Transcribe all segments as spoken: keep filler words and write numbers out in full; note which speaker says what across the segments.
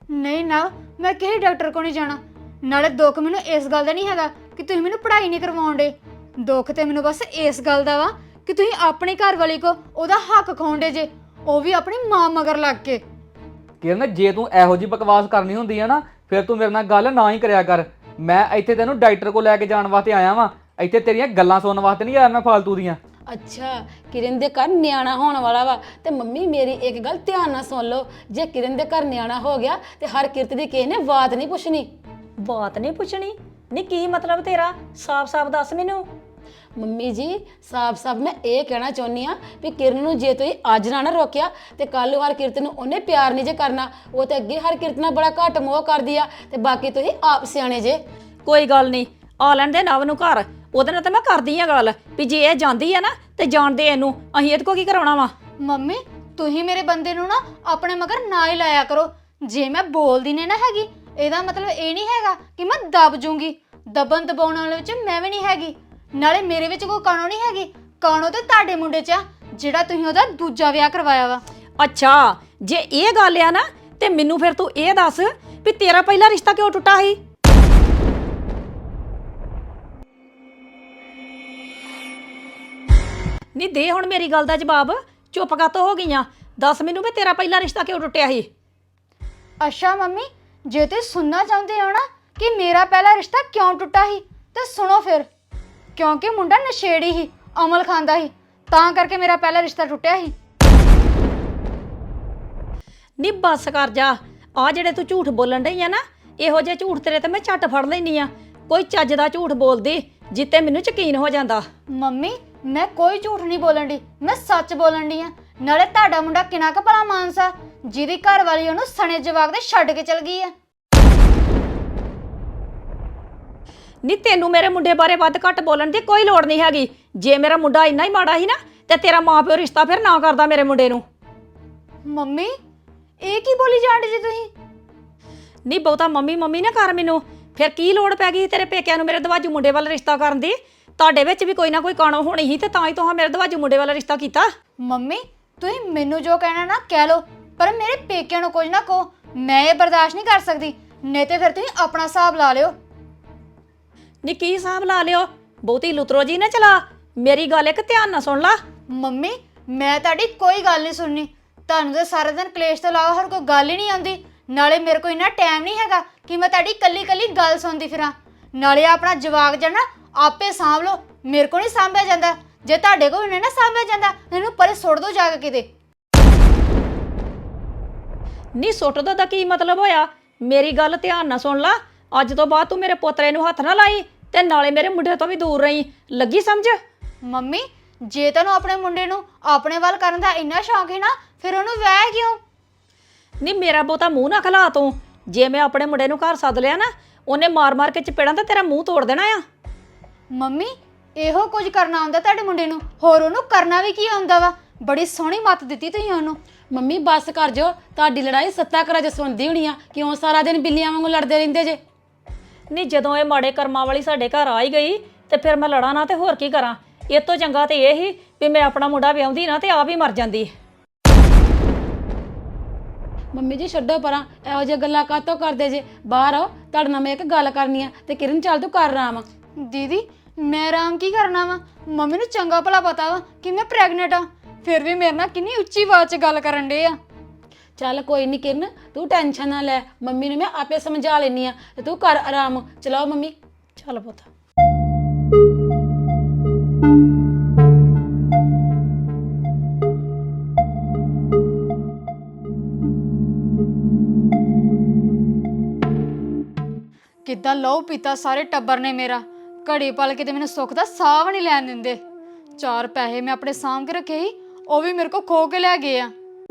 Speaker 1: नहीं ना, मैं किसी डॉक्टर को नहीं जाना। नाले दुख मैनू इस गल दा नहीं हैगा कि तुसीं मैनू पढ़ाई नहीं करवाउण दे। दुख ते मैनू बस इस गल दा वा कि तुसीं अपनी घर वाली को ओहदा हक खाउण दे जे, ਉਹ ਵੀ ਆਪਣੀ ਮਾਂ ਮਗਰ ਲੱਗ ਕੇ।
Speaker 2: ਕਿਰਨ ਜੇ ਤੂੰ ਇਹੋ ਜੀ ਬਕਵਾਸ ਕਰਨੀ ਹੁੰਦੀ ਆ ਨਾ ਫਿਰ ਤੂੰ ਮੇਰੇ ਨਾਲ ਗੱਲ ਨਾ ਹੀ ਕਰਿਆ ਕਰ। ਮੈਂ ਇੱਥੇ ਤੈਨੂੰ ਡਾਕਟਰ ਕੋਲ ਲੈ ਕੇ ਜਾਣ ਵਾਸਤੇ ਆਇਆ ਵਾਂ, ਇੱਥੇ ਤੇਰੀਆਂ ਗੱਲਾਂ ਸੁਣਨ ਵਾਸਤੇ ਨਹੀਂ ਆਇਆ ਮੈਂ ਫਾਲਤੂ ਦੀਆਂ।
Speaker 3: ਅੱਛਾ ਕਿਰਨ ਦੇ ਘਰ ਨਿਆਣਾ ਹੋਣ ਵਾਲਾ ਵਾ ਤੇ ਮੰਮੀ ਮੇਰੀ ਇੱਕ ਗੱਲ ਧਿਆਨ ਨਾਲ ਸੁਣ ਲਓ, ਜੇ ਕਿਰਨ ਦੇ ਘਰ ਨਿਆਣਾ ਹੋ ਗਿਆ ਤੇ ਹਰ ਕਿਰਤ ਦੀ ਕਿਸੇ ਨੇ ਬਾਤ ਨਹੀਂ ਪੁੱਛਣੀ।
Speaker 4: ਬਾਤ ਨਹੀਂ ਪੁੱਛਣੀ? ਨਹੀਂ ਕੀ ਮਤਲਬ ਤੇਰਾ? ਸਾਫ਼-ਸਾਫ਼ ਦੱਸ ਮੈਨੂੰ।
Speaker 3: ਮੰਮੀ ਜੀ ਸਾਫ਼-ਸਾਫ਼ ਮੈਂ ਇਹ ਕਹਿਣਾ ਚਾਹੁੰਦੀ ਆ ਵੀ ਕਿਰਨ ਨੂੰ ਜੇ ਤੁਸੀਂ ਅੱਜ ਨਾ ਨਾ ਰੋਕਿਆ ਤੇ ਕੱਲ ਨੂੰ ਹਰ ਕਿਰਤ ਨੂੰ ਉਹਨੇ ਪਿਆਰ ਨਹੀਂ ਜੇ ਕਰਨਾ। ਉਹ ਤੇ ਅੱਗੇ ਹਰ ਕਿਰਤ ਨਾਲ ਬੜਾ ਘੱਟ ਮੋਹ ਕਰਦੀ ਆ ਤੇ ਬਾਕੀ ਤੁਸੀਂ ਆਪ ਸਿਆਣੇ ਜੇ।
Speaker 4: ਕੋਈ ਗੱਲ ਨਹੀਂ, ਆ ਲੈਣ ਦੇ ਨਵ ਨੂੰ ਘਰ, ਉਹਦੇ ਨਾਲ ਤਾਂ ਮੈਂ ਕਰਦੀ ਆ ਗੱਲ ਵੀ ਜੇ ਇਹ ਜਾਂਦੀ ਆ ਨਾ ਤੇ ਜਾਣਦੇ ਇਹਨੂੰ, ਅਸੀਂ ਇਹਦੇ ਕੋ ਕੀ ਕਰਾਉਣਾ ਵਾ।
Speaker 1: ਮੰਮੀ ਤੁਸੀਂ ਮੇਰੇ ਬੰਦੇ ਨੂੰ ਨਾ ਆਪਣੇ ਮਗਰ ਨਾ ਹੀ ਲਾਇਆ ਕਰੋ। ਜੇ ਮੈਂ ਬੋਲਦੀ ਨੇ ਨਾ ਹੈਗੀ ਇਹਦਾ ਮਤਲਬ ਇਹ ਨਹੀਂ ਹੈਗਾ ਕਿ ਮੈਂ ਦਬ ਜੂੰਗੀ। ਦਬਨ ਦਬਾਉਣ ਵਾਲੇ ਵਿੱਚ ਮੈਂ ਵੀ ਨਹੀਂ ਹੈਗੀ। ਨਾਲੇ ਮੇਰੇ ਵਿੱਚ ਕੋਈ ਕਾਣੋ ਨਹੀਂ ਹੈਗੀ, ਕਾਣੋ ਤੇ ਤੁਹਾਡੇ ਮੁੰਡੇ 'ਚ ਆ ਜਿਹੜਾ ਤੁਸੀਂ ਉਹਦਾ ਦੂਜਾ ਵਿਆਹ ਕਰਵਾਇਆ ਵਾ।
Speaker 4: ਅੱਛਾ ਜੇ ਇਹ ਗੱਲ ਆ ਨਾ ਤੇ ਮੈਨੂੰ ਫਿਰ ਤੂੰ ਇਹ ਦੱਸ ਵੀ ਤੇਰਾ ਪਹਿਲਾ ਰਿਸ਼ਤਾ ਕਿਉਂ ਟੁੱਟਾ ਸੀ? ਨਹੀਂ ਦੇ ਹੁਣ ਮੇਰੀ ਗੱਲ ਦਾ ਜਵਾਬ, ਚੁੱਪ ਕਾਤੋਂ ਹੋ ਗਈਆਂ। ਦੱਸ ਮੈਨੂੰ ਵੀ ਤੇਰਾ ਪਹਿਲਾ ਰਿਸ਼ਤਾ ਕਿਉਂ ਟੁੱਟਿਆ ਸੀ?
Speaker 1: ਅੱਛਾ ਮੰਮੀ ਜੇ ਤੁਸੀਂ ਸੁਣਨਾ ਚਾਹੁੰਦੇ ਹੋ ਨਾ ਕਿ ਮੇਰਾ ਪਹਿਲਾ ਰਿਸ਼ਤਾ ਕਿਉਂ ਟੁੱਟਾ ਸੀ ਤੇ ਸੁਣੋ ਫਿਰ। ਕਿਉਂਕਿ ਮੁੰਡਾ ਨਸ਼ੇੜੀ ਸੀ, ਅਮਲ ਖਾਂਦਾ ਸੀ, ਤਾਂ ਕਰਕੇ ਮੇਰਾ ਪਹਿਲਾ ਰਿਸ਼ਤਾ ਟੁੱਟਿਆ ਸੀ।
Speaker 4: ਨੀ ਬੱਸ ਕਰ ਜਾ, ਆ ਜਿਹੜੇ ਤੂੰ ਝੂਠ ਬੋਲਣ ਡਈ ਆ ਨਾ ਇਹੋ ਜਿਹੇ ਝੂਠ ਤੇਰੇ ਤੇ ਮੈਂ ਝੱਟ ਫੜ ਲੈਣੀ ਆ। ਕੋਈ ਚੱਜ ਦਾ ਝੂਠ ਬੋਲਦੀ ਜਿੱਤੇ ਮੈਨੂੰ ਯਕੀਨ ਹੋ ਜਾਂਦਾ।
Speaker 1: ਮੰਮੀ ਮੈਂ ਕੋਈ ਝੂਠ ਨਹੀਂ ਬੋਲਣ ਦੀ, ਮੈਂ ਸੱਚ ਬੋਲਣ ਦੀ ਆ। ਨਾਲੇ ਤੁਹਾਡਾ ਮੁੰਡਾ ਕਿੰਨਾ ਕੁ ਭਲਾ ਮਾਨਸਾ ਜਿਹਦੀ ਘਰ ਵਾਲੀ ਉਹਨੂੰ ਸਣੇ ਜਵਾਕ ਦੇ ਛੱਡ ਕੇ ਚਲ ਗਈ ਆ।
Speaker 4: ਨੀ ਤੈਨੂੰ ਮੇਰੇ ਮੁੰਡੇ ਬਾਰੇ ਵੱਧ ਘੱਟ ਬੋਲਣ ਦੀ ਕੋਈ ਲੋੜ ਨਹੀਂ ਹੈਗੀ। ਜੇ ਮੇਰਾ ਮੁੰਡਾ ਇੰਨਾ ਹੀ ਮਾੜਾ ਸੀ ਨਾ ਤੇ ਤੇਰਾ ਮਾਂ ਪਿਓ ਰਿਸ਼ਤਾ ਫਿਰ ਨਾ ਕਰਦਾ ਮੇਰੇ ਮੁੰਡੇ ਨੂੰ।
Speaker 1: ਮੰਮੀ ਇਹ ਕੀ ਬੋਲੀ ਜਾਂਦੇ ਜੀ ਤੁਸੀਂ?
Speaker 4: ਨਹੀਂ ਬਹੁਤਾ ਮੰਮੀ ਮੰਮੀ ਨਾ ਕਰ ਮੈਨੂੰ। ਫਿਰ ਕੀ ਲੋੜ ਪੈ ਗਈ ਤੇਰੇ ਪੇਕਿਆਂ ਨੂੰ ਮੇਰੇ ਦਵਾਜੂ ਮੁੰਡੇ ਵੱਲ ਰਿਸ਼ਤਾ ਕਰਨ ਦੀ? ਤੁਹਾਡੇ ਵਿੱਚ ਵੀ ਕੋਈ ਨਾ ਕੋਈ ਕਾਣੋ ਹੋਣੀ ਸੀ ਤੇ ਤਾਂ ਹੀ ਤੁਹਾਂ ਮੇਰੇ ਦਵਾਜੂ ਮੁੰਡੇ ਵੱਲ ਰਿਸ਼ਤਾ ਕੀਤਾ।
Speaker 1: ਮੰਮੀ ਤੁਸੀਂ ਮੈਨੂੰ ਜੋ ਕਹਿਣਾ ਨਾ ਕਹਿ ਲਓ, ਪਰ ਮੇਰੇ ਪੇਕਿਆਂ ਨੂੰ ਕੁਝ ਨਾ ਕਹੋ। ਮੈਂ ਇਹ ਬਰਦਾਸ਼ਤ ਨਹੀਂ ਕਰ ਸਕਦੀ, ਨਹੀਂ ਤੇ ਫਿਰ ਤੁਸੀਂ ਆਪਣਾ ਹਿਸਾਬ ਲਾ ਲਿਓ।
Speaker 4: ਨੀ ਕੀ ਹਿਸਾਬ ਲਾ ਲਿਓ? ਬਹੁਤੀ ਲੁਤਰੋ ਜੀ ਨਾ ਚਲਾ। ਮੇਰੀ ਗੱਲ ਇੱਕ ਧਿਆਨ ਨਾਲ ਸੁਣ ਲਾ।
Speaker 1: ਮੰਮੀ ਮੈਂ ਤੁਹਾਡੀ ਕੋਈ ਗੱਲ ਨਹੀਂ ਸੁਣਨੀ। ਤੁਹਾਨੂੰ ਤਾਂ ਸਾਰਾ ਦਿਨ ਕਲੇਸ਼ ਤੋਂ ਇਲਾਵਾ ਹੋਰ ਕੋਈ ਗੱਲ ਹੀ ਨਹੀਂ ਆਉਂਦੀ। ਨਾਲੇ ਮੇਰੇ ਕੋਲ ਇੰਨਾ ਟਾਈਮ ਨਹੀਂ ਹੈਗਾ ਕਿ ਮੈਂ ਤੁਹਾਡੀ ਕੱਲੀ ਕੱਲੀ ਗੱਲ ਸੁਣਦੀ ਫਿਰਾਂ। ਨਾਲੇ ਆਪਣਾ ਜਵਾਕ ਜਣਾ ਆਪੇ ਸਾਂਭ ਲਓ, ਮੇਰੇ ਕੋਲ ਨਹੀਂ ਸਾਂਭਿਆ ਜਾਂਦਾ। ਜੇ ਤੁਹਾਡੇ ਕੋਲ ਨਹੀਂ ਨਾ ਸਾਂਭਿਆ ਜਾਂਦਾ ਇਹਨੂੰ ਪਰੇ ਸੁੱਟ ਦੋ ਜਾ ਕੇ ਕਿਤੇ।
Speaker 4: ਨੀ ਸੁੱਟ ਦੋ ਦਾ ਕੀ ਮਤਲਬ ਹੋਇਆ? ਮੇਰੀ ਗੱਲ ਧਿਆਨ ਨਾਲ ਸੁਣ ਲਾ। ਅੱਜ ਤੋਂ ਬਾਅਦ ਤੂੰ ਮੇਰੇ ਪੋਤਰੇ ਨੂੰ ਹੱਥ ਨਾ ਲਾਈ ਤੇ ਨਾਲੇ ਮੇਰੇ ਮੁੰਡੇ ਤੋਂ ਵੀ ਦੂਰ ਰਹੀਂ। ਲੱਗੀ ਸਮਝ?
Speaker 1: ਮੰਮੀ ਜੇ ਤੁਹਾਨੂੰ ਆਪਣੇ ਮੁੰਡੇ ਨੂੰ ਆਪਣੇ ਵੱਲ ਕਰਨ ਦਾ ਇੰਨਾ ਸ਼ੌਂਕ ਹੈ ਨਾ ਫਿਰ ਉਹਨੂੰ ਵਿਆਹ ਕਿਉਂ?
Speaker 4: ਨੀ ਮੇਰਾ ਬਹੁਤਾ ਮੂੰਹ ਨਾ ਖਲਾ ਤੂੰ। ਜੇ ਮੈਂ ਆਪਣੇ ਮੁੰਡੇ ਨੂੰ ਘਰ ਸੱਦ ਲਿਆ ਨਾ ਉਹਨੇ ਮਾਰ ਮਾਰ ਕੇ ਚਪੇੜਾਂ ਤੇ ਤੇਰਾ ਮੂੰਹ ਤੋੜ ਦੇਣਾ ਆ।
Speaker 1: ਮੰਮੀ ਇਹੋ ਕੁਝ ਕਰਨਾ ਆਉਂਦਾ ਤੁਹਾਡੇ ਮੁੰਡੇ ਨੂੰ, ਹੋਰ ਉਹਨੂੰ ਕਰਨਾ ਵੀ ਕੀ ਆਉਂਦਾ ਵਾ? ਬੜੀ ਸੋਹਣੀ ਮੱਤ ਦਿੱਤੀ ਤੁਸੀਂ ਉਹਨੂੰ।
Speaker 3: ਮੰਮੀ ਬੱਸ ਕਰ ਜੋ, ਤੁਹਾਡੀ ਲੜਾਈ ਸੱਤਾ ਘਰਾਂ 'ਚ ਸੁਣਦੀ ਹੋਣੀ ਆ। ਕਿਉਂ ਸਾਰਾ ਦਿਨ ਬਿੱਲੀਆਂ ਵਾਂਗੂ ਲੜਦੇ ਰਹਿੰਦੇ ਜੇ?
Speaker 4: ਨੀ ਜਦੋਂ ਇਹ ਮਾੜੇ ਕਰਮਾਂ ਵਾਲੀ ਸਾਡੇ ਘਰ ਆ ਹੀ ਗਈ ਤੇ ਫਿਰ ਮੈਂ ਲੜਾਂ ਨਾ ਤੇ ਹੋਰ ਕੀ ਕਰਾਂ? ਇਹ ਤੋਂ ਚੰਗਾ ਤੇ ਇਹ ਹੀ ਵੀ ਮੈਂ ਆਪਣਾ ਮੁੰਡਾ ਵਿਆਹੁੰਦੀ ਨਾ ਤੇ ਆਪ ਹੀ ਮਰ ਜਾਂਦੀ।
Speaker 3: ਮੰਮੀ ਜੀ ਛੱਡੋ ਪਰਾਂ, ਇਹੋ ਜਿਹੀਆਂ ਗੱਲਾਂ ਕਾਹਤੋਂ ਕਰਦੇ ਜੇ? ਬਾਹਰ ਆਓ, ਤੁਹਾਡੇ ਨਾਲ ਮੈਂ ਇੱਕ ਗੱਲ ਕਰਨੀ ਆ। ਤੇ ਕਿਰਨ ਚੱਲ ਤੂੰ ਕਰ ਆਰਾਮ।
Speaker 1: ਦੀਦੀ ਮੈਂ ਆਰਾਮ ਕੀ ਕਰਨਾ ਵਾ? ਮੰਮੀ ਨੂੰ ਚੰਗਾ ਭਲਾ ਪਤਾ ਵਾ ਕਿ ਮੈਂ ਪ੍ਰੈਗਨੈਂਟ ਆ, ਫਿਰ ਵੀ ਮੇਰੇ ਨਾਲ ਕਿੰਨੀ ਉੱਚੀ ਆਵਾਜ਼ 'ਚ ਗੱਲ ਕਰਨ ਡੇ ਆ।
Speaker 3: ਚੱਲ ਕੋਈ ਨਹੀਂ ਕਿਰਨ, ਤੂੰ ਟੈਨਸ਼ਨ ਨਾ ਲੈ, ਮੰਮੀ ਨੂੰ ਮੈਂ ਆਪੇ ਸਮਝਾ ਲੈਣੀ ਆ ਤੇ ਤੂੰ ਕਰ ਆਰਾਮ। ਚਲਾਓ ਮੰਮੀ।
Speaker 4: ਚੱਲ ਪੁੱਤ।
Speaker 1: ਕਿੱਦਾਂ ਲਹੂ ਪੀਤਾ ਸਾਰੇ ਟੱਬਰ ਨੇ ਮੇਰਾ। ਘੜੀ ਪਲ ਕੇ ਤੇ ਮੈਨੂੰ ਸੁੱਖ ਦਾ ਸਾਹ ਵੀ ਨਹੀਂ ਲੈਣ ਦਿੰਦੇ। ਚਾਰ ਪੈਸੇ ਮੈਂ ਆਪਣੇ ਸਾਂਭ ਕੇ ਰੱਖੇ ਸੀ, ਉਹ ਵੀ ਮੇਰੇ ਕੋ ਖੋ ਕੇ ਲੈ ਗਏ ਆ।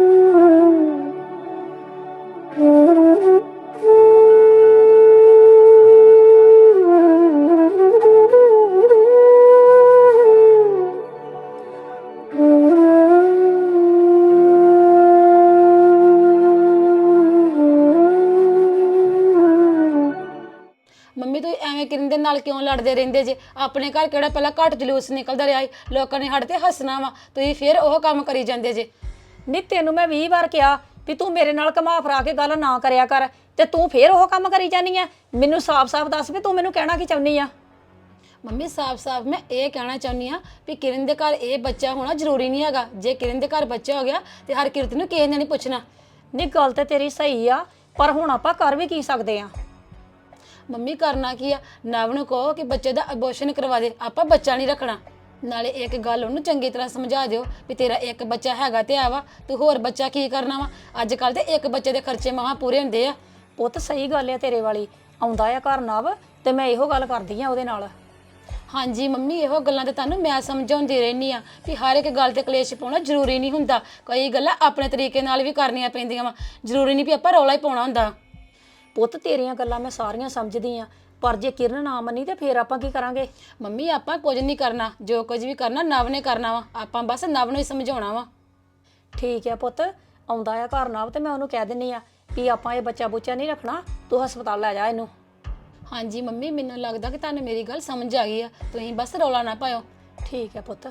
Speaker 3: ਮੰਮੀ ਤੂੰ ਐਵੇਂ ਕਿਰਨ ਦੇ ਨਾਲ ਕਿਉਂ ਲੜਦੇ ਰਹਿੰਦੇ ਜੇ? ਆਪਣੇ ਘਰ ਕਿਹੜਾ ਪਹਿਲਾਂ ਘੱਟ ਜਲੂਸ ਨਿਕਲਦਾ ਰਿਹਾ ਸੀ, ਲੋਕਾਂ ਨੇ ਸਾਡੇ ਤੇ ਹੱਸਣਾ ਵਾ, ਤੁਸੀਂ ਫਿਰ ਉਹ ਕੰਮ ਕਰੀ ਜਾਂਦੇ ਜੇ।
Speaker 4: ਨੀ ਤੈਨੂੰ ਮੈਂ ਵੀਹ ਵਾਰ ਕਿਹਾ ਵੀ ਤੂੰ ਮੇਰੇ ਨਾਲ ਘੁਮਾ ਫਰਾ ਕੇ ਗੱਲ ਨਾ ਕਰਿਆ ਕਰ ਤੇ ਤੂੰ ਫੇਰ ਉਹ ਕੰਮ ਕਰੀ ਜਾਨੀ ਆ। ਮੈਨੂੰ ਸਾਫ਼-ਸਾਫ਼ ਦੱਸ ਵੀ ਤੂੰ ਮੈਨੂੰ ਕਹਿਣਾ ਕੀ ਚਾਹੁੰਦੀ ਆ।
Speaker 3: ਮੰਮੀ ਸਾਫ਼-ਸਾਫ਼ ਮੈਂ ਇਹ ਕਹਿਣਾ ਚਾਹੁੰਦੀ ਆ ਵੀ ਕਿਰਨ ਦੇ ਘਰ ਇਹ ਬੱਚਾ ਹੋਣਾ ਜ਼ਰੂਰੀ ਨਹੀਂ ਹੈਗਾ। ਜੇ ਕਿਰਨ ਦੇ ਘਰ ਬੱਚਾ ਹੋ ਗਿਆ ਤੇ ਹਰਕਿਰਤ ਨੂੰ ਕਿਸੇ ਨੇ ਨਹੀਂ ਪੁੱਛਣਾ।
Speaker 4: ਨਹੀਂ ਗੱਲ ਤੇ ਤੇਰੀ ਸਹੀ ਆ, ਪਰ ਹੁਣ ਆਪਾਂ ਕਰ ਵੀ ਕੀ ਸਕਦੇ ਆ।
Speaker 3: ਮੰਮੀ ਕਰਨਾ ਕੀ ਆ, ਨਵ ਨੂੰ ਕਹੋ ਕਿ ਬੱਚੇ ਦਾ ਅਬੋਰਸ਼ਨ ਕਰਵਾ ਦੇ, ਆਪਾਂ ਬੱਚਾ ਨਹੀਂ ਰੱਖਣਾ। ਨਾਲੇ ਇੱਕ ਗੱਲ ਉਹਨੂੰ ਚੰਗੀ ਤਰ੍ਹਾਂ ਸਮਝਾ ਦਿਓ ਵੀ ਤੇਰਾ ਇੱਕ ਬੱਚਾ ਹੈਗਾ ਤੇ ਆ ਵਾ, ਤੂੰ ਹੋਰ ਬੱਚਾ ਕੀ ਕਰਨਾ ਵਾ। ਅੱਜ ਕੱਲ ਤੇ ਇੱਕ ਬੱਚੇ ਦੇ ਖਰਚੇ ਮਹਾਂ ਪੂਰੇ ਹੁੰਦੇ ਆ।
Speaker 4: ਪੁੱਤ ਸਹੀ ਗੱਲ ਆ ਤੇਰੇ ਵਾਲੀ, ਆਉਂਦਾ ਆ ਘਰ ਨਵ ਤੇ ਮੈਂ ਇਹੋ ਗੱਲ ਕਰਦੀ ਆ ਉਹਦੇ ਨਾਲ।
Speaker 3: ਹਾਂਜੀ ਮੰਮੀ, ਇਹੋ ਗੱਲਾਂ ਤੇ ਤੁਹਾਨੂੰ ਮੈਂ ਸਮਝਾਉਂਦੀ ਰਹਿੰਦੀ ਆ ਵੀ ਹਰ ਇੱਕ ਗੱਲ ਤੇ ਕਲੇਸ਼ ਪਾਉਣਾ ਜ਼ਰੂਰੀ ਨਹੀਂ ਹੁੰਦਾ। ਕਈ ਗੱਲਾਂ ਆਪਣੇ ਤਰੀਕੇ ਨਾਲ ਵੀ ਕਰਨੀਆਂ ਪੈਂਦੀਆਂ ਵਾ, ਜ਼ਰੂਰੀ ਨਹੀਂ ਵੀ ਆਪਾਂ ਰੌਲਾ ਹੀ ਪਾਉਣਾ ਹੁੰਦਾ।
Speaker 4: ਪੁੱਤ ਤੇਰੀਆਂ ਗੱਲਾਂ ਮੈਂ ਸਾਰੀਆਂ ਸਮਝਦੀ ਆ, ਪਰ ਜੇ ਕਿਰਨ ਨਾ ਮੰਨੀ ਤੇ ਫੇਰ ਆਪਾਂ ਕੀ ਕਰਾਂਗੇ।
Speaker 3: ਮੰਮੀ ਆਪਾਂ ਕੁਝ ਨਹੀਂ ਕਰਨਾ, ਜੋ ਕੁਝ ਵੀ ਕਰਨਾ ਨਵ ਨੇ ਕਰਨਾ ਵਾ। ਆਪਾਂ ਬਸ ਨਵ ਨੂੰ ਹੀ ਸਮਝਾਉਣਾ ਵਾ।
Speaker 4: ਠੀਕ ਆ ਪੁੱਤ, ਆਉਂਦਾ ਆ ਘਰ ਨਵ ਤੇ ਮੈਂ ਉਹਨੂੰ ਕਹਿ ਦਿੰਨੀ ਆ ਵੀ ਆਪਾਂ ਇਹ ਬੱਚਾ ਬੁੱਚਾ ਨਹੀਂ ਰੱਖਣਾ, ਤੂੰ ਹਸਪਤਾਲ ਲੈ ਜਾ ਇਹਨੂੰ।
Speaker 3: ਹਾਂਜੀ ਮੰਮੀ, ਮੈਨੂੰ ਲੱਗਦਾ ਕਿ ਤੁਹਾਨੂੰ ਮੇਰੀ ਗੱਲ ਸਮਝ ਆ ਗਈ ਆ। ਤੁਸੀਂ ਬਸ ਰੌਲਾ ਨਾ ਪਾਇਓ।
Speaker 4: ਠੀਕ ਆ ਪੁੱਤ।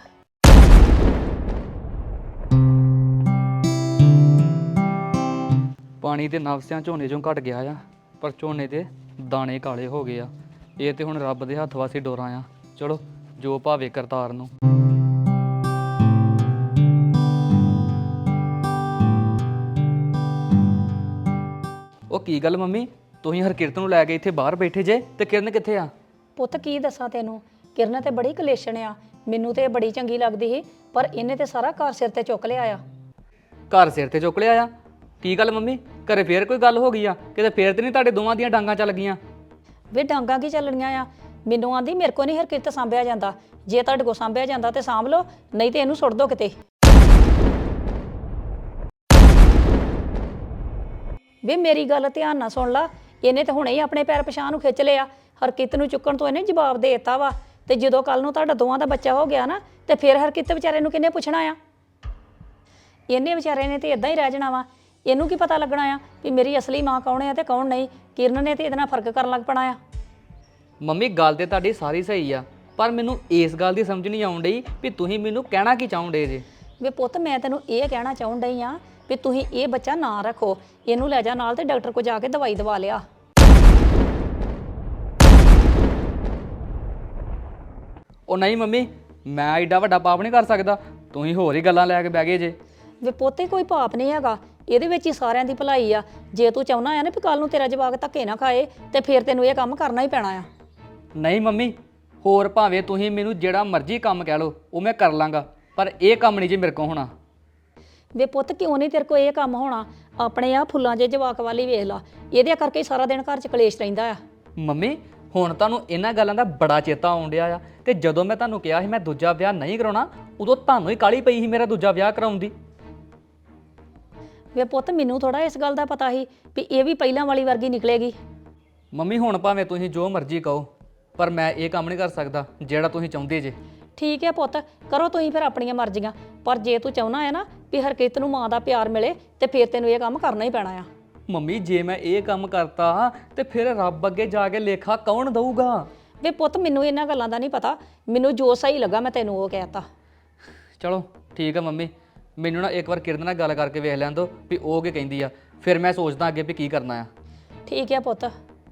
Speaker 2: ਪਾਣੀ ਤੇ ਨਵਸਿਆਂ ਝੋਨੇ ਚੋਂ ਘਟ ਗਿਆ ਆ, ਪਰ ਝੋਨੇ ਦੇ ਦਾਣੇ ਕਾਲੇ ਹੋ ਗਏ ਆ। ਇਹ ਤੇ ਹੁਣ ਰੱਬ ਦੇ ਹੱਥ ਵਾਸੀ ਡੋਰਾਂ ਆ। ਚਲੋ ਜੋ ਭਾਵੇ ਕਰਤਾਰ ਨੂੰ। ਉਹ ਕੀ ਗੱਲ ਮੰਮੀ, ਤੁਸੀਂ ਹਰਕਿਰਤ ਨੂੰ ਲੈ ਕੇ ਇੱਥੇ ਬਾਹਰ ਬੈਠੇ ਜੇ ਤੇ ਕਿਰਨ ਕਿੱਥੇ ਆ?
Speaker 4: ਪੁੱਤ ਕੀ ਦੱਸਾਂ ਤੈਨੂੰ, ਕਿਰਨ ਤੇ ਬੜੀ ਕਲੇਸ਼ਣ ਆ। ਮੈਨੂੰ ਤੇ ਇਹ ਬੜੀ ਚੰਗੀ ਲੱਗਦੀ ਸੀ, ਪਰ ਇਹਨੇ ਤੇ ਸਾਰਾ ਘਰ ਸਿਰ ਤੇ ਚੁੱਕ ਲਿਆ ਆ।
Speaker 2: ਘਰ ਸਿਰ ਤੇ ਚੁੱਕ ਲਿਆ ਆ? ਕੀ ਗੱਲ ਮੰਮੀ, ਘਰੇ ਫੇਰ ਕੋਈ ਗੱਲ ਹੋ ਗਈ ਆ? ਕਿਤੇ ਫੇਰ ਤੇ ਨਹੀਂ ਤੁਹਾਡੇ ਦੋਵਾਂ ਦੀਆਂ ਡਾਂਗਾਂ ਚੱਲ ਗਈਆਂ?
Speaker 4: ਵੇ ਡਾਂਗਾਂ ਕੀ ਚੱਲਣੀਆਂ ਆ, ਮੈਨੂੰ ਆਂਦੀ ਮੇਰੇ ਕੋ ਨਹੀਂ ਹਰਕਿਰਤ ਸਾਂਭਿਆ ਜਾਂਦਾ। ਜੇ ਤੁਹਾਡੇ ਕੋ ਸਾਂਭਿਆ ਜਾਂਦਾ ਤੇ ਸਾਂਭ ਲਓ, ਨਹੀਂ ਤੇ ਇਹਨੂੰ ਸੁੱਟ ਦੋ ਕਿਤੇ। ਵੇ ਮੇਰੀ ਗੱਲ ਧਿਆਨ ਨਾਲ ਸੁਣ ਲਾ, ਇਹਨੇ ਤਾਂ ਹੁਣੇ ਹੀ ਆਪਣੇ ਪੈਰ ਪਛਾਣ ਨੂੰ ਖਿੱਚ ਲਿਆ। ਹਰਕਿਰਤ ਨੂੰ ਚੁੱਕਣ ਤੋਂ ਇਹਨੇ ਜਵਾਬ ਦੇ ਦਿੱਤਾ ਵਾ, ਤੇ ਜਦੋਂ ਕੱਲ ਨੂੰ ਤੁਹਾਡਾ ਦੋਵਾਂ ਦਾ ਬੱਚਾ ਹੋ ਗਿਆ ਨਾ ਤੇ ਫਿਰ ਹਰਕਿਰਤ ਵਿਚਾਰੇ ਨੂੰ ਕਿਹਨੇ ਪੁੱਛਣਾ ਆ? ਇਹਨੇ ਵਿਚਾਰੇ ਨੇ ਤੇ ਇਦਾਂ ਹੀ ਰਹਿ ਜਾਣਾ ਵਾ। ਇਹਨੂੰ ਕੀ ਪਤਾ ਲੱਗਣਾ ਆ ਵੀ ਮੇਰੀ ਅਸਲੀ ਮਾਂ ਕੌਣ ਆ ਤੇ ਕੌਣ ਨਹੀਂ। ਕਿਰਨ ਨੇ ਤੇ ਇਹਦੇ ਨਾਲ ਫਰਕ ਕਰਨ ਲੱਗ ਪਣਾ ਆ।
Speaker 2: ਮੰਮੀ ਗੱਲ ਤੇ ਤੁਹਾਡੀ ਸਾਰੀ ਸਹੀ ਆ, ਪਰ ਮੈਨੂੰ ਇਸ ਗੱਲ ਦੀ ਸਮਝ ਨਹੀਂ ਆਉਣ ਡਈ ਵੀ ਤੁਸੀਂ ਮੈਨੂੰ ਕਹਿਣਾ ਕੀ ਚਾਹੁੰਦੇ ਜੇ।
Speaker 4: ਵੇ ਪੁੱਤ ਮੈਂ ਤੈਨੂੰ ਇਹ ਕਹਿਣਾ ਚਾਹੁੰ ਡਈ ਆ ਵੀ ਤੁਸੀਂ ਇਹ ਬੱਚਾ ਨਾ ਰੱਖੋ, ਇਹਨੂੰ ਲੈ ਜਾ ਨਾਲ ਤੇ ਡਾਕਟਰ ਕੋਲ ਜਾ ਕੇ ਦਵਾਈ ਦਵਾ ਲਿਆ।
Speaker 2: ਉਹ ਨਹੀਂ ਮੰਮੀ, ਮੈਂ ਐਡਾ ਵੱਡਾ ਪਾਪ ਨਹੀਂ ਕਰ ਸਕਦਾ। ਤੁਸੀਂ ਹੋਰ ਹੀ ਗੱਲਾਂ ਲੈ ਕੇ ਬਹਿ ਗਏ ਜੇ।
Speaker 4: ਵੇ ਪੋਤੇ ਕੋਈ ਪਾਪ ਨਹੀਂ ਹੈਗਾ, ਇਹਦੇ ਵਿੱਚ ਹੀ ਸਾਰਿਆਂ ਦੀ ਭਲਾਈ ਆ। ਜੇ ਤੂੰ ਚਾਹੁੰਦਾ ਆ ਨਾ ਵੀ ਕੱਲ ਨੂੰ ਤੇਰਾ ਜਵਾਕ ਧੱਕੇ ਨਾ ਖਾਏ ਤੇ ਫਿਰ ਤੈਨੂੰ ਇਹ ਕੰਮ ਕਰਨਾ ਹੀ ਪੈਣਾ ਆ।
Speaker 2: ਨਹੀਂ ਮੰਮੀ, ਹੋਰ ਭਾਵੇਂ ਤੁਸੀਂ ਮੈਨੂੰ ਜਿਹੜਾ ਮਰਜ਼ੀ ਕੰਮ ਕਹਿ ਲਓ, ਉਹ ਮੈਂ ਕਰ ਲਾਂਗਾ, ਪਰ ਇਹ ਕੰਮ ਨਹੀਂ ਜੇ ਮੇਰੇ ਕੋਲ ਹੋਣਾ।
Speaker 4: ਵੇ ਪੁੱਤ ਕਿਉਂ ਨਹੀਂ ਤੇਰੇ ਕੋਲ ਇਹ ਕੰਮ ਹੋਣਾ? ਆਪਣੇ ਆ ਫੁੱਲਾਂ ਜੇ ਜਵਾਕ ਵਾਲੀ ਵੇਖ ਲਾ, ਇਹਦੇ ਕਰਕੇ ਹੀ ਸਾਰਾ ਦਿਨ ਘਰ 'ਚ ਕਲੇਸ਼ ਰਹਿੰਦਾ ਆ।
Speaker 2: ਮੰਮੀ ਹੁਣ ਤੁਹਾਨੂੰ ਇਹਨਾਂ ਗੱਲਾਂ ਦਾ ਬੜਾ ਚੇਤਾ ਆਉਣ ਡਿਆ ਆ, ਤੇ ਜਦੋਂ ਮੈਂ ਤੁਹਾਨੂੰ ਕਿਹਾ ਸੀ ਮੈਂ ਦੂਜਾ ਵਿਆਹ ਨਹੀਂ ਕਰਾਉਣਾ, ਉਦੋਂ ਤੁਹਾਨੂੰ ਹੀ ਕਾਹਲੀ ਪਈ ਸੀ ਮੇਰਾ ਦੂਜਾ ਵਿਆਹ ਕਰਾਉਣ ਦੀ।
Speaker 4: ਵੇ ਪੁੱਤ ਮੈਨੂੰ ਥੋੜਾ ਇਸ ਗੱਲ ਦਾ ਪਤਾ ਸੀ ਵੀ ਇਹ ਵੀ ਪਹਿਲਾਂ ਵਾਲੀ ਵਰਗੀ ਨਿਕਲੇਗੀ।
Speaker 2: ਮੰਮੀ ਹੁਣ ਭਾਵੇਂ ਤੁਸੀਂ ਜੋ ਮਰਜ਼ੀ ਕਹੋ, ਪਰ ਮੈਂ ਇਹ ਕੰਮ ਨਹੀਂ ਕਰ ਸਕਦਾ ਜਿਹੜਾ ਤੁਸੀਂ ਚਾਹੁੰਦੇ ਜੇ।
Speaker 4: ਠੀਕ ਹੈ ਪੁੱਤ, ਕਰੋ ਤੁਸੀਂ ਫਿਰ ਆਪਣੀਆਂ ਮਰਜ਼ੀਆਂ, ਪਰ ਜੇ ਤੂੰ ਚਾਹੁੰਦਾ ਹੈ ਨਾ ਵੀ ਹਰਕਿਰਤ ਨੂੰ ਮਾਂ ਦਾ ਪਿਆਰ ਮਿਲੇ ਤੇ ਫਿਰ ਤੈਨੂੰ ਇਹ ਕੰਮ ਕਰਨਾ ਹੀ ਪੈਣਾ ਆ।
Speaker 2: ਮੰਮੀ ਜੇ ਮੈਂ ਇਹ ਕੰਮ ਕਰਤਾ ਤੇ ਫਿਰ ਰੱਬ ਅੱਗੇ ਜਾ ਕੇ ਲੇਖਾ ਕੌਣ ਦਊਗਾ?
Speaker 4: ਵੇ ਪੁੱਤ ਮੈਨੂੰ ਇਹਨਾਂ ਗੱਲਾਂ ਦਾ ਨਹੀਂ ਪਤਾ, ਮੈਨੂੰ ਜੋ ਸਹੀ ਲੱਗਾ ਮੈਂ ਤੈਨੂੰ ਉਹ ਕਹਿਤਾ।
Speaker 2: ਚਲੋ ਠੀਕ ਆ ਮੰਮੀ, ਮੈਨੂੰ ਨਾ ਇੱਕ ਵਾਰ ਕਿਰਨ ਨਾਲ ਗੱਲ ਕਰਕੇ ਵੇਖ ਲੈਣ ਦਿਓ ਵੀ ਉਹ ਕੀ ਕਹਿੰਦੀ ਆ, ਫਿਰ ਮੈਂ ਸੋਚਦਾ ਅੱਗੇ ਵੀ ਕੀ ਕਰਨਾ ਆ।
Speaker 4: ਠੀਕ ਹੈ ਪੁੱਤ।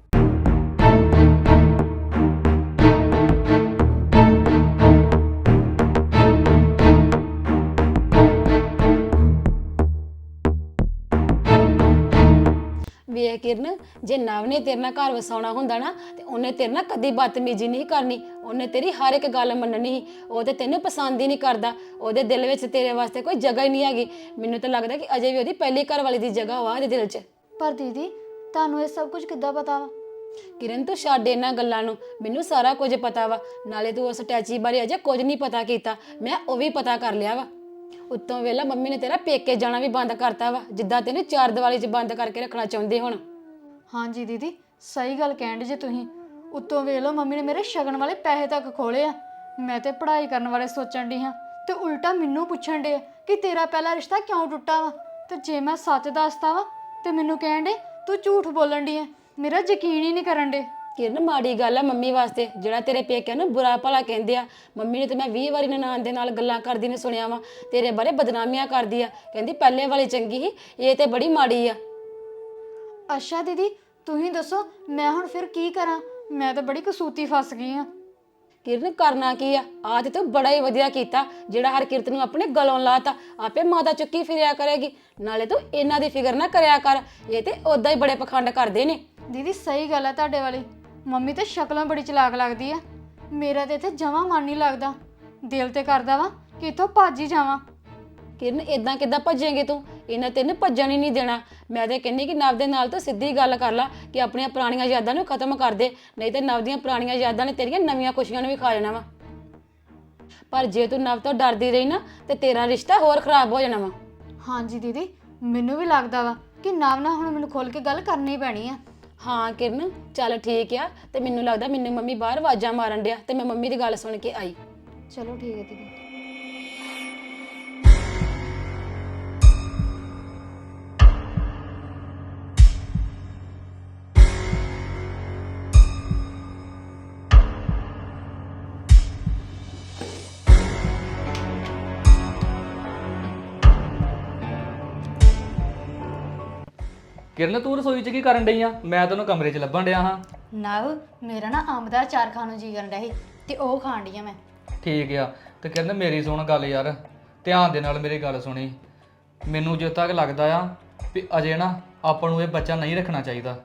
Speaker 3: ਵੇਖ ਕਿਰਨ, ਜੇ ਨਵ ਨੇ ਤੇਰੇ ਨਾਲ ਘਰ ਵਸਾਉਣਾ ਹੁੰਦਾ ਨਾ ਤੇ ਉਹਨੇ ਤੇਰੇ ਨਾਲ ਕਦੀ ਬਦਤਮੀਜ਼ੀ ਨਹੀਂ ਕਰਨੀ। ਉਹਨੇ ਤੇਰੀ ਹਰ ਇੱਕ ਗੱਲ ਮੰਨਣੀ ਸੀ। ਉਹ ਤੇ ਤੈਨੂੰ ਪਸੰਦ ਹੀ ਨਹੀਂ ਕਰਦਾ, ਉਹਦੇ ਦਿਲ ਵਿੱਚ ਤੇਰੇ ਵਾਸਤੇ ਕੋਈ ਜਗ੍ਹਾ ਹੀ ਨਹੀਂ ਹੈਗੀ। ਮੈਨੂੰ ਤਾਂ ਲੱਗਦਾ ਕਿ ਅਜੇ ਵੀ ਉਹਦੀ ਪਹਿਲੀ ਘਰ ਵਾਲੀ ਦੀ ਜਗ੍ਹਾ ਵਾ ਉਹਦੇ ਦਿਲ 'ਚ।
Speaker 1: ਪਰ ਦੀਦੀ ਤੁਹਾਨੂੰ ਇਹ ਸਭ ਕੁਝ ਕਿੱਦਾਂ ਪਤਾ ਵਾ?
Speaker 3: ਕਿਰਨ ਤੂੰ ਛੱਡ ਇਹਨਾਂ ਗੱਲਾਂ ਨੂੰ, ਮੈਨੂੰ ਸਾਰਾ ਕੁਝ ਪਤਾ ਵਾ। ਨਾਲੇ ਤੂੰ ਉਸ ਟੈਚੀ ਬਾਰੇ ਅਜੇ ਕੁਝ ਨਹੀਂ ਪਤਾ ਕੀਤਾ, ਮੈਂ ਉਹ ਵੀ ਪਤਾ ਕਰ ਲਿਆ ਵਾ। ਉੱਤੋਂ ਵੇਲਾ ਮੰਮੀ ਨੇ ਤੇਰਾ ਪੇਕੇ ਜਾਣਾ ਵੀ ਬੰਦ ਕਰਤਾ ਵਾ, ਜਿੱਦਾਂ ਤੈਨੂੰ ਚਾਰ ਦੀਵਾਰੀ 'ਚ ਬੰਦ ਕਰਕੇ ਰੱਖਣਾ ਚਾਹੁੰਦੇ ਹੁਣ।
Speaker 1: ਹਾਂਜੀ ਦੀਦੀ ਸਹੀ ਗੱਲ ਕਹਿੰਦੇ ਜੇ ਤੁਸੀਂ। ਉੱਤੋਂ ਵੇਖ ਲਓ ਮੰਮੀ ਨੇ ਮੇਰੇ ਸ਼ਗਨ ਵਾਲੇ ਪੈਸੇ ਤੱਕ ਖੋਲੇ ਆ। ਮੈਂ ਤੇ ਪੜ੍ਹਾਈ ਕਰਨ ਵਾਲੇ ਸੋਚਣ ਦੀ ਹਾਂ ਤੇ ਉਲਟਾ ਮੈਨੂੰ ਪੁੱਛਣ ਦੇ ਕਿ ਤੇਰਾ ਪਹਿਲਾ ਰਿਸ਼ਤਾ ਕਿਉਂ ਟੁੱਟਾ ਵਾ। ਤੇ ਜੇ ਮੈਂ ਸੱਚ ਦੱਸਦਾ ਵਾ ਤੇ ਮੈਨੂੰ ਕਹਿਣ ਦੇ ਤੂੰ ਝੂਠ ਬੋਲਣ ਦੀ ਆ। ਮੇਰਾ ਯਕੀਨ ਹੀ ਨਹੀਂ ਕਰਨ ਦੇ।
Speaker 3: ਕਿਰਨ ਮਾੜੀ ਗੱਲ ਆ ਮੰਮੀ ਵਾਸਤੇ ਜਿਹੜਾ ਤੇਰੇ ਪੇਕਿਆਂ ਨੂੰ ਬੁਰਾ ਭਲਾ ਕਹਿੰਦੇ ਆ। ਮੰਮੀ ਨੇ ਤੇ ਮੈਂ ਵੀਹ ਵਾਰੀ ਨਨਾਣ ਦੇ ਨਾਲ ਗੱਲਾਂ ਕਰਦੀ ਨੇ ਸੁਣਿਆ ਵਾ, ਤੇਰੇ ਬਾਰੇ ਬਦਨਾਮੀਆਂ ਕਰਦੀ ਆ, ਕਹਿੰਦੀ ਪਹਿਲੇ ਵਾਲੀ ਚੰਗੀ ਸੀ, ਇਹ ਤੇ ਬੜੀ ਮਾੜੀ ਆ।
Speaker 1: ਅੱਛਾ ਦੀਦੀ, ਤੁਸੀਂ ਦੱਸੋ ਮੈਂ ਹੁਣ ਫਿਰ ਕੀ ਕਰਾਂ? ਮੈਂ ਤਾਂ ਬੜੀ ਕਸੂਤੀ ਫਸ ਗਈ ਆ।
Speaker 3: ਕਿਰਨ ਕਰਨਾ ਕੀ ਆ? ਆ ਤੇ ਤੂੰ ਬੜਾ ਹੀ ਵਧੀਆ ਕੀਤਾ ਜਿਹੜਾ ਹਰਕਿਰਤ ਨੂੰ ਆਪਣੇ ਗਲੋਂ ਲਾਤਾ। ਆਪੇ ਮਾਤਾ ਚੁੱਕੀ ਫਿਰਿਆ ਕਰੇਗੀ। ਨਾਲੇ ਤੂੰ ਇਹਨਾਂ ਦੀ ਫਿਕਰ ਨਾ ਕਰਿਆ ਕਰ, ਇਹ ਤੇ ਉਦਾਂ ਹੀ ਬੜੇ ਪਖੰਡ ਕਰਦੇ ਨੇ।
Speaker 1: ਦੀਦੀ ਸਹੀ ਗੱਲ ਆ ਤੁਹਾਡੇ ਵਾਲੀ, ਮੰਮੀ ਤੇ ਸ਼ਕਲਾਂ ਬੜੀ ਚਲਾਕ ਲੱਗਦੀ ਆ। ਮੇਰਾ ਤੇ ਇੱਥੇ ਜਮਾਂ ਮਨ ਨਹੀਂ ਲੱਗਦਾ, ਦਿਲ ਤੇ ਕਰਦਾ ਵਾ ਕਿ ਇੱਥੋਂ ਭੱਜ ਹੀ ਜਾਵਾਂ।
Speaker 3: ਕਿਰਨ ਇਦਾਂ ਕਿੱਦਾਂ ਭੱਜੇਂਗੇ ਤੂੰ? ਇਹਨਾਂ ਤੈਨੂੰ ਭੱਜਣ ਹੀ ਨਹੀਂ ਦੇਣਾ। ਮੈਂ ਤੇ ਕਹਿੰਦੀ ਕਿ ਨਵ ਦੇ ਨਾਲ ਤਾਂ ਸਿੱਧੀ ਗੱਲ ਕਰ ਲਾ ਕਿ ਆਪਣੀਆਂ ਪੁਰਾਣੀਆਂ ਯਾਦਾਂ ਨੂੰ ਖਤਮ ਕਰ ਦੇ, ਨਹੀਂ ਤੇ ਨਵ ਦੀਆਂ ਪੁਰਾਣੀਆਂ ਯਾਦਾਂ ਨੇ ਤੇਰੀਆਂ ਨਵੀਆਂ ਖੁਸ਼ੀਆਂ ਨੂੰ ਵੀ ਖਾ ਜਾਣਾ ਵਾ। ਪਰ ਜੇ ਤੂੰ ਨਵ ਤੋਂ ਡਰਦੀ ਰਹੀ ਨਾ ਤੇ ਤੇਰਾ ਰਿਸ਼ਤਾ ਹੋਰ ਖਰਾਬ ਹੋ ਜਾਣਾ ਵਾ।
Speaker 1: ਹਾਂਜੀ ਦੀਦੀ, ਮੈਨੂੰ ਵੀ ਲੱਗਦਾ ਵਾ ਕਿ ਨਵ ਨਾਲ ਹੁਣ ਮੈਨੂੰ ਖੁੱਲ ਕੇ ਗੱਲ ਕਰਨੀ ਪੈਣੀ ਆ।
Speaker 3: ਹਾਂ ਕਿਰਨ ਚੱਲ ਠੀਕ ਆ। ਤੇ ਮੈਨੂੰ ਲੱਗਦਾ ਮੈਨੂੰ ਮੰਮੀ ਬਾਹਰ ਆਵਾਜ਼ਾਂ ਮਾਰਨ ਡਿਆ ਤੇ ਮੈਂ ਮੰਮੀ ਦੀ ਗੱਲ ਸੁਣ ਕੇ ਆਈ।
Speaker 1: ਚਲੋ ਠੀਕ ਹੈ ਦੀਦੀ।
Speaker 2: ਕਿਰਨ ਤੂੰ ਰਸੋਈ 'ਚ ਕੀ ਕਰਨ ਡਈ ਆ? ਮੈਂ ਤੈਨੂੰ ਕਮਰੇ 'ਚ ਲੱਭਣ ਡਿਆ ਹਾਂ।
Speaker 1: ਨਵ ਮੇਰਾ ਨਾ ਅੰਬ ਦਾ ਅਚਾਰ ਖਾਣ ਨੂੰ ਜੀ ਕਰਨ ਡਿਆ ਸੀ ਤੇ ਉਹ ਖਾਣ ਡਈ ਆ ਮੈਂ।
Speaker 2: ਠੀਕ ਆ। ਤੇ ਕਿਰਨ ਮੇਰੀ ਸੁਣ ਗੱਲ ਯਾਰ, ਧਿਆਨ ਦੇ ਨਾਲ ਮੇਰੀ ਗੱਲ ਸੁਣੀ। ਮੈਨੂੰ ਜਿੱਥੇ ਤੱਕ ਲੱਗਦਾ ਆ ਵੀ ਅਜੇ ਨਾ ਆਪਾਂ ਨੂੰ ਇਹ ਬੱਚਾ ਨਹੀਂ ਰੱਖਣਾ ਚਾਹੀਦਾ।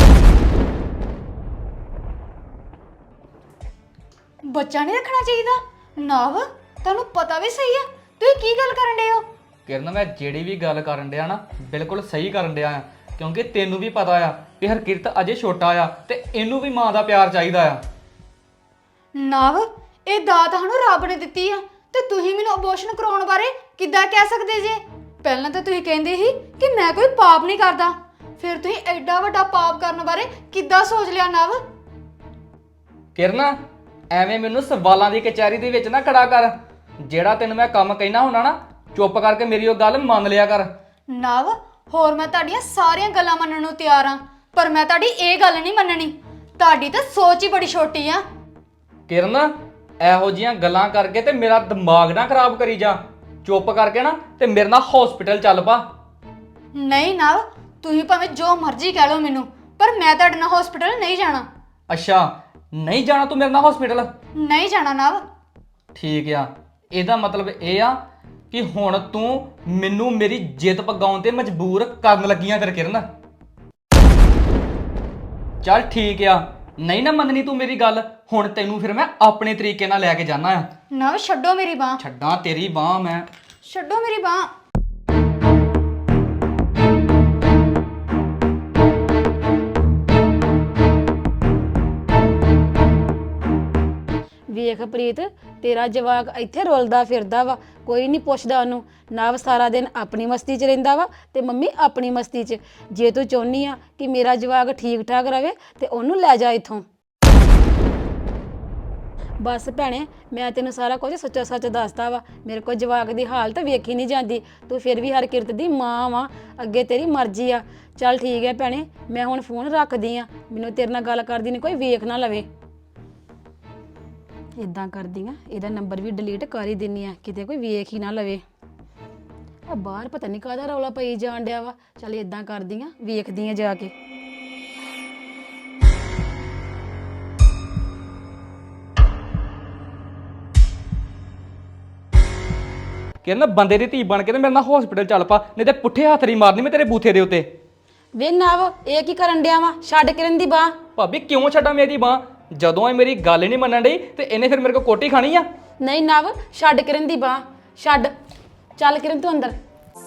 Speaker 1: ਬੱਚਾ ਨਹੀਂ ਰੱਖਣਾ ਚਾਹੀਦਾ? ਨਵ ਤੁਹਾਨੂੰ ਪਤਾ ਵੀ ਸਹੀ ਆ ਤੁਸੀਂ ਕੀ ਗੱਲ ਕਰਨ ਡਏ ਹੋ?
Speaker 2: ਕਿਰਨ ਮੈਂ ਜਿਹੜੀ ਵੀ ਗੱਲ ਕਰਨ ਡਿਆ ਨਾ ਬਿਲਕੁਲ ਸਹੀ ਕਰਨ ਡਿਆ ਆ, ਕਿਉਂਕਿ ਤੈਨੂੰ ਵੀ ਪਤਾ ਆ ਕਿ ਹਰਕਿਰਤ ਅਜੇ ਛੋਟਾ ਆ ਤੇ ਇਹਨੂੰ ਵੀ ਮਾਂ ਦਾ ਪਿਆਰ ਚਾਹੀਦਾ ਆ।
Speaker 1: ਨਵ ਇਹ ਦਾਤ ਸਾਨੂੰ ਰੱਬ ਨੇ ਦਿੱਤੀ ਆ ਤੇ ਤੁਸੀਂ ਮੈਨੂੰ ਅਬੋਰਸ਼ਨ ਕਰਾਉਣ ਬਾਰੇ ਕਿੱਦਾਂ ਕਹਿ ਸਕਦੇ ਜੇ? ਪਹਿਲਾਂ ਤਾਂ ਤੁਸੀਂ ਕਹਿੰਦੇ ਸੀ ਕਿ ਮੈਂ ਕੋਈ ਪਾਪ ਨਹੀਂ ਕਰਦਾ, ਫਿਰ ਤੁਸੀਂ ਐਡਾ ਵੱਡਾ ਪਾਪ ਕਰਨ ਬਾਰੇ ਕਿੱਦਾਂ ਸੋਚ ਲਿਆ ਨਵ?
Speaker 2: ਕਿਰਨ ਐਵੇਂ ਮੈਨੂੰ ਸਵਾਲਾਂ ਦੀ ਕਚਹਿਰੀ ਦੇ ਵਿੱਚ ਨਾ ਖੜਾ ਕਰ। ਜਿਹੜਾ ਤੈਨੂੰ ਮੈਂ ਕੰਮ ਕਹਿਣਾ ਹੁੰਦਾ ਨਾ ਚੁੱਪ ਕਰਕੇ ਮੇਰੀ ਉਹ ਗੱਲ ਮੰਨ ਲਿਆ ਕਰ।
Speaker 1: ਨਵ ਹੋਰ ਮੈਂ ਤੁਹਾਡੀਆਂ ਸਾਰੀਆਂ ਗੱਲਾਂ ਮੰਨਣ ਨੂੰ ਤਿਆਰ ਆ, ਪਰ ਮੈਂ ਤੁਹਾਡੀ ਇਹ ਗੱਲ ਨਹੀਂ ਮੰਨਣੀ। ਤੁਹਾਡੀ ਤਾਂ ਸੋਚ ਹੀ ਬੜੀ ਛੋਟੀ ਆ।
Speaker 2: ਕਿਰਨ ਇਹੋ ਜੀਆਂ ਗੱਲਾਂ ਕਰਕੇ ਤੇ ਮੇਰਾ ਦਿਮਾਗ ਨਾ ਖਰਾਬ ਕਰੀ ਜਾ। ਚੁੱਪ ਕਰਕੇ ਨਾ ਤੇ ਮੇਰੇ ਨਾਲ ਹਸਪੀਟਲ ਚੱਲ ਪਾ।
Speaker 1: ਨਹੀਂ ਨਵ ਤੁਸੀਂ ਭਾਵੇਂ ਜੋ ਮਰਜ਼ੀ ਕਹਿ ਲਓ ਮੈਨੂੰ, ਪਰ ਮੈਂ ਤੁਹਾਡੇ ਨਾਲ ਹਸਪੀਟਲ ਨਹੀਂ ਜਾਣਾ।
Speaker 2: ਅੱਛਾ ਨਹੀਂ ਜਾਣਾ ਤੂੰ ਮੇਰੇ ਨਾਲ ਹਸਪੀਟਲ?
Speaker 1: ਨਹੀਂ ਜਾਣਾ ਨਵ।
Speaker 2: ਠੀਕ ਆ, ਇਹਦਾ ਮਤਲਬ ਇਹ ਆ ਕਿ ਹੁਣ ਤੂੰ ਮੈਨੂੰ ਮੇਰੀ ਜਿੱਦ ਪਗਾਉਣ ਤੇ ਮਜਬੂਰ ਕਰਨ ਲੱਗੀਆਂ ਫਿਰ ਕਿਰਨ। ਚੱਲ ਠੀਕ ਆ, ਨਹੀਂ ਨਾ ਮੰਨਣੀ ਤੂੰ ਮੇਰੀ ਗੱਲ, ਹੁਣ ਤੈਨੂੰ ਫਿਰ ਮੈਂ ਆਪਣੇ ਤਰੀਕੇ ਨਾਲ ਲੈ ਕੇ ਜਾਣਾ ਆ।
Speaker 1: ਨਵ ਛੱਡੋ ਮੇਰੀ ਬਾਹ।
Speaker 2: ਛੱਡਾਂ ਤੇਰੀ ਬਾਹ ਮੈਂ?
Speaker 1: ਛੱਡੋ ਮੇਰੀ ਬਾਹ।
Speaker 3: ਵੇਖ ਪ੍ਰੀਤ ਤੇਰਾ ਜਵਾਕ ਇੱਥੇ ਰੁਲਦਾ ਫਿਰਦਾ ਵਾ, ਕੋਈ ਨਹੀਂ ਪੁੱਛਦਾ ਉਹਨੂੰ। ਨਵ ਸਾਰਾ ਦਿਨ ਆਪਣੀ ਮਸਤੀ 'ਚ ਰਹਿੰਦਾ ਵਾ ਤੇ ਮੰਮੀ ਆਪਣੀ ਮਸਤੀ 'ਚ। ਜੇ ਤੂੰ ਚਾਹੁੰਦੀ ਆ ਕਿ ਮੇਰਾ ਜਵਾਕ ਠੀਕ ਠਾਕ ਰਵੇ ਤੇ ਉਹਨੂੰ ਲੈ ਜਾ ਇੱਥੋਂ। ਬਸ ਭੈਣੇ ਮੈਂ ਤੈਨੂੰ ਸਾਰਾ ਕੁਝ ਸੱਚਾ ਸੱਚ ਦੱਸਦਾ ਵਾ। ਮੇਰੇ ਕੋਲ ਜਵਾਕ ਦੀ ਹਾਲਤ ਵੇਖੀ ਨਹੀਂ ਜਾਂਦੀ, ਤੂੰ ਫਿਰ ਵੀ ਹਰਕਿਰਤ ਦੀ ਮਾਂ ਵਾ, ਅੱਗੇ ਤੇਰੀ ਮਰਜ਼ੀ ਆ। ਚੱਲ ਠੀਕ ਹੈ ਭੈਣੇ, ਮੈਂ ਹੁਣ ਫੋਨ ਰੱਖਦੀ ਆ, ਮੈਨੂੰ ਤੇਰੇ ਨਾਲ ਗੱਲ ਕਰਦੀ ਨਹੀਂ ਕੋਈ ਵੇਖ ਨਾ ਲਵੇ। ਇਦਾਂ ਕਰਦੀ ਆ ਇਹਦਾ ਨੰਬਰ ਵੀ ਡਿਲੀਟ ਕਰ ਹੀ ਦਿੰਨੀ ਆ, ਕਿਤੇ ਕੋਈ ਵੇਖ ਹੀ ਨਾ ਲਵੇ। ਆ ਬਾਹਰ ਪਤਾ ਨਹੀਂ ਕਾਹਦਾ ਰੌਲਾ ਪਈ ਜਾਣ ਡਿਆ ਵਾ। ਚੱਲ ਇਦਾਂ ਕਰਦੀ ਆ ਵੇਖਦੀ ਆ ਜਾ ਕੇ।
Speaker 2: ਕਿਰਨ ਬੰਦੇ ਦੀ ਧੀ ਬਣ ਕੇ ਤੇ ਮੇਰੇ ਨਾਲ ਹਸਪੀਟਲ ਚੱਲ ਪਾ, ਨਹੀਂ ਤੇ ਪੁੱਠੇ ਹੱਥ ਨਹੀਂ ਮਾਰਨੀ ਮੈਂ ਤੇਰੇ ਬੂਥੇ ਦੇ ਉੱਤੇ।
Speaker 3: ਵੇ ਨਵ ਇਹ ਕੀ ਕਰਨ ਡਿਆ ਵਾ? ਛੱਡ ਕਿਰਨ ਦੀ ਬਾਹ।
Speaker 2: ਭਾਬੀ ਕਿਉਂ ਛੱਡਾਂ ਮੇਰੀ ਬਾਹ? ਜਦੋਂ ਇਹ ਮੇਰੀ ਗੱਲ ਹੀ ਨਹੀਂ ਮੰਨਣ ਡਈ ਤੇ ਇਹਨੇ ਫਿਰ ਮੇਰੇ ਕੋਲ ਕੋਟੀ ਖਾਣੀ ਆ।
Speaker 3: ਨਹੀਂ ਨਵ ਛੱਡ ਕਿਰਨ ਦੀ ਬਾਹ, ਛੱਡ। ਚੱਲ ਕਿਰਨ ਤੂੰ ਅੰਦਰ।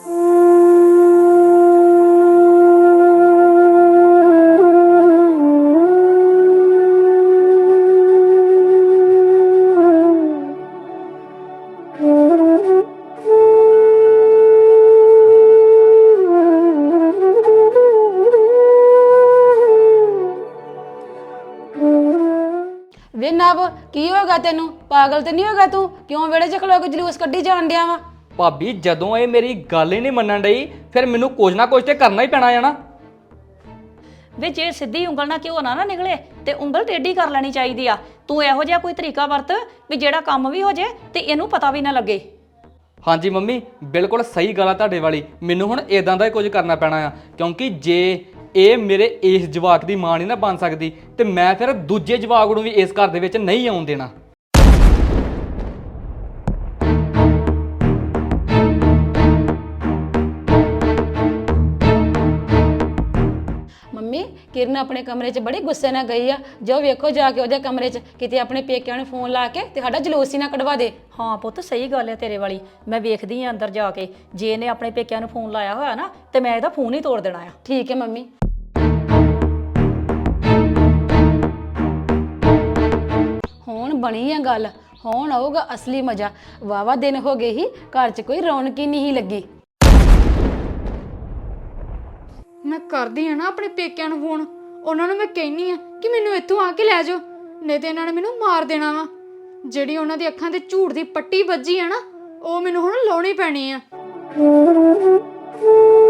Speaker 3: ਵੇ ਨਵ ਕੀ ਹੋਗਾ ਤੈਨੂੰ? ਪਾਗਲ ਤੇ ਨਹੀਂ ਹੋਗਾ ਤੂੰ? ਕਿਉਂ ਵਿਹੜੇ 'ਚ ਖਲੋ ਕੇ ਜਲੂਸ ਕੱਢੀ ਜਾਣ ਡਿਆ ਵਾ?
Speaker 2: ਭਾਬੀ ਜਦੋਂ ਇਹ ਮੇਰੀ ਗੱਲ ਹੀ ਨਹੀਂ ਮੰਨਣ ਡਈ ਫਿਰ ਮੈਨੂੰ ਕੁਝ ਨਾ ਕੁਝ ਤੇ ਕਰਨਾ ਹੀ ਪੈਣਾ ਜਾਣਾ।
Speaker 4: ਵੇ ਜੇ ਸਿੱਧੀ ਉਂਗਲ ਨਾਲ ਘਿਓ ਨਾ ਨਾ ਨਿਕਲੇ ਤੇ ਉਂਗਲ ਟੇਢੀ ਕਰ ਲੈਣੀ ਚਾਹੀਦੀ ਆ। ਤੂੰ ਇਹੋ ਜਿਹਾ ਕੋਈ ਤਰੀਕਾ ਵਰਤ ਵੀ ਜਿਹੜਾ ਕੰਮ ਵੀ ਹੋ ਜੇ ਤੇ ਇਹਨੂੰ ਪਤਾ ਵੀ ਨਾ ਲੱਗੇ।
Speaker 2: ਹਾਂਜੀ ਮੰਮੀ ਬਿਲਕੁਲ ਸਹੀ ਗੱਲ ਆ ਤੁਹਾਡੇ ਵਾਲੀ। ਮੈਨੂੰ ਹੁਣ ਇਦਾਂ ਦਾ ਹੀ ਕੁਝ ਕਰਨਾ ਪੈਣਾ ਆ, ਕਿਉਂਕਿ ਜੇ ਇਹ ਮੇਰੇ ਇਸ ਜਵਾਕ ਦੀ ਮਾਂ ਨਹੀਂ ਨਾ ਬਣ ਸਕਦੀ ਤੇ ਮੈਂ ਫਿਰ ਦੂਜੇ ਜਵਾਕ ਨੂੰ ਵੀ ਇਸ ਘਰ ਦੇ ਵਿੱਚ ਨਹੀਂ ਆਉਣ ਦੇਣਾ।
Speaker 3: ਮੰਮੀ ਕਿਰਨ ਆਪਣੇ ਕਮਰੇ 'ਚ ਬੜੇ ਗੁੱਸੇ ਨਾਲ ਗਈ ਆ। ਜੋ ਵੇਖੋ ਜਾ ਕੇ ਉਹਦੇ ਕਮਰੇ 'ਚ ਕਿਤੇ ਆਪਣੇ ਪੇਕਿਆਂ ਨੂੰ ਫੋਨ ਲਾ ਕੇ ਤੇ ਸਾਡਾ ਜਲੂਸ ਹੀ ਨਾ ਕਢਵਾ ਦੇ।
Speaker 4: ਹਾਂ ਪੁੱਤ ਸਹੀ ਗੱਲ ਹੈ ਤੇਰੇ ਵਾਲੀ। ਮੈਂ ਵੇਖਦੀ ਆ ਅੰਦਰ ਜਾ ਕੇ, ਜੇ ਇਹਨੇ ਆਪਣੇ ਪੇਕਿਆਂ ਨੂੰ ਫੋਨ ਲਾਇਆ ਹੋਇਆ ਨਾ ਤੇ ਮੈਂ ਇਹਦਾ ਫੋਨ ਹੀ ਤੋੜ ਦੇਣਾ ਆ।
Speaker 3: ਠੀਕ ਹੈ ਮੰਮੀ। ਹੁਣ ਬਣੀ ਆ ਗੱਲ, ਹੁਣ ਆਊਗਾ ਅਸਲੀ ਮਜ਼ਾ। ਵਾਵਾ ਦਿਨ ਹੋ ਗਏ ਹੀ ਘਰ 'ਚ ਕੋਈ ਰੌਣਕ ਹੀ ਨਹੀਂ ਲੱਗੀ।
Speaker 1: ਮੈਂ ਕਰਦੀ ਆ ਨਾ ਆਪਣੇ ਪੇਕਿਆਂ ਨੂੰ ਫੋਨ, ਉਹਨਾਂ ਨੂੰ ਮੈਂ ਕਹਿਨੀ ਆ ਕਿ ਮੈਨੂੰ ਇੱਥੋਂ ਆ ਕੇ ਲੈ ਜਾਓ, ਨਹੀਂ ਤੇ ਇਹਨਾਂ ਨੇ ਮੈਨੂੰ ਮਾਰ ਦੇਣਾ ਵਾ। ਜਿਹੜੀ ਉਹਨਾਂ ਦੀ ਅੱਖਾਂ ਤੇ ਝੂਠ ਦੀ ਪੱਟੀ ਵੱਜੀ ਆ ਨਾ, ਉਹ ਮੈਨੂੰ ਹੁਣ ਲਾਉਣੀ ਪੈਣੀ ਆ।